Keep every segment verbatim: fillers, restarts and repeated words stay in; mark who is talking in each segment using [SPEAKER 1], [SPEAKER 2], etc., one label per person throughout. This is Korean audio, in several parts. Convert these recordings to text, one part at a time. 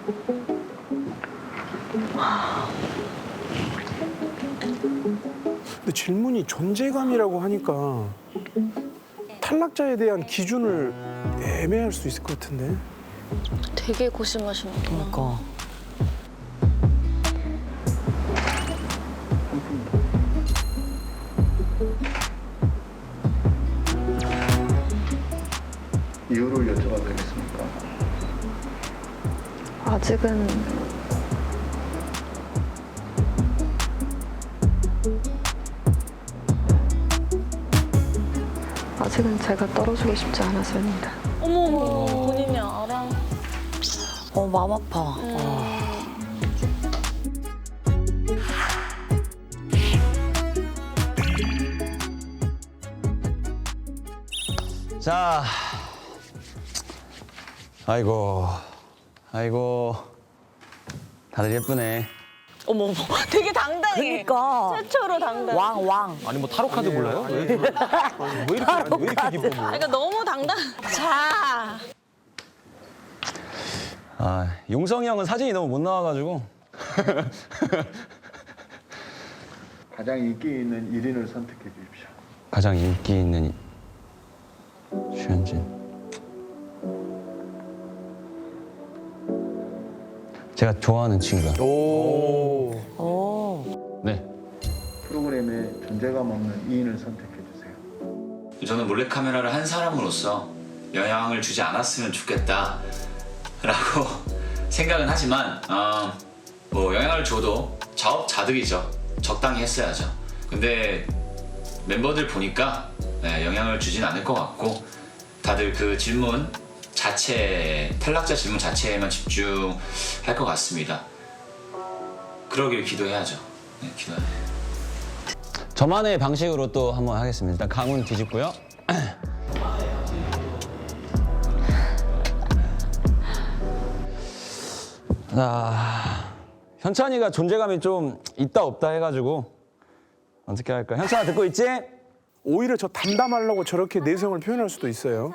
[SPEAKER 1] 근데 질문이 존재감이라고 하니까 탈락자에 대한 기준을 애매할 수 있을 것 같은데.
[SPEAKER 2] 되게 고심하시는구나.
[SPEAKER 3] 그러니까.
[SPEAKER 4] 이유를 여쭤봐도 되겠습니까?
[SPEAKER 5] 아직은 아직은 제가 떨어지고 싶지 않아서입니다.
[SPEAKER 2] 어머, 어머, 본인이 알아.
[SPEAKER 3] 어, 마음 아파.
[SPEAKER 6] 자, 아이고, 아이고, 다들 예쁘네.
[SPEAKER 2] 어머, 어머, 되게 당당해.
[SPEAKER 3] 그러니까.
[SPEAKER 2] 최초로 당당.
[SPEAKER 3] 왕, 왕.
[SPEAKER 7] 아니 뭐 타로 카드 몰라요? 왜,
[SPEAKER 1] 왜 이렇게 왜 이렇게 기뻐?
[SPEAKER 2] 그러니까 너무 당당. 자,
[SPEAKER 6] 아, 용성이 형은 사진이 너무 못 나와가지고.
[SPEAKER 4] 가장 인기 있는 일 인을 선택해 주십시오.
[SPEAKER 6] 가장 인기 있는 주현진. 제가 좋아하는 친구야.
[SPEAKER 1] 오.
[SPEAKER 3] 오.
[SPEAKER 6] 네.
[SPEAKER 4] 프로그램에 존재감 없는 이 인을 선택해 주세요.
[SPEAKER 8] 저는 몰래카메라를 한 사람으로서 영향을 주지 않았으면 좋겠다라고 생각은 하지만 어, 뭐 영향을 줘도 자업자득이죠. 적당히 했어야죠. 근데 멤버들 보니까 네, 영향을 주진 않을 것 같고 다들 그 질문 자체, 탈락자 질문 자체에만 집중할 것 같습니다. 그러길 기도해야죠. 네, 기도해.
[SPEAKER 6] 저만의 방식으로 또 한번 하겠습니다. 일단 강은 뒤집고요. 아, 현찬이가 존재감이 좀 있다 없다 해가지고 어떻게 할까? 현찬아 듣고 있지?
[SPEAKER 1] 오히려 저 담담하려고 저렇게 내성을 표현할 수도 있어요.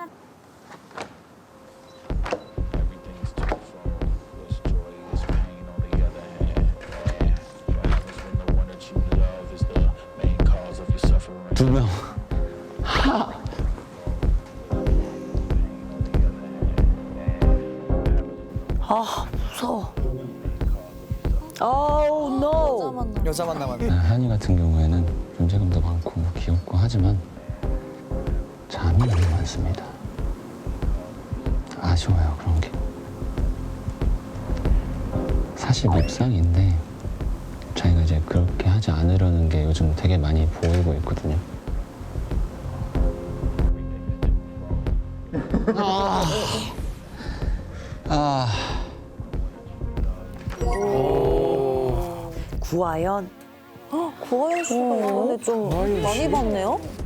[SPEAKER 6] 두 명.
[SPEAKER 3] 아, 무서워. Oh, no.
[SPEAKER 7] 여자만 남았네.
[SPEAKER 6] 한이 같은 경우에는 존재감도 많고 귀엽고 하지만 잠이 너무 많습니다. 아쉬워요, 그런 게. 사실 밉상인데 자기가 이제 그렇게 하지 않으려는 게 요즘 되게 많이 보이고 있거든요. 아. 아.
[SPEAKER 3] 구하연.
[SPEAKER 2] 구하연 씨가 이번에 좀 많이 봤네요?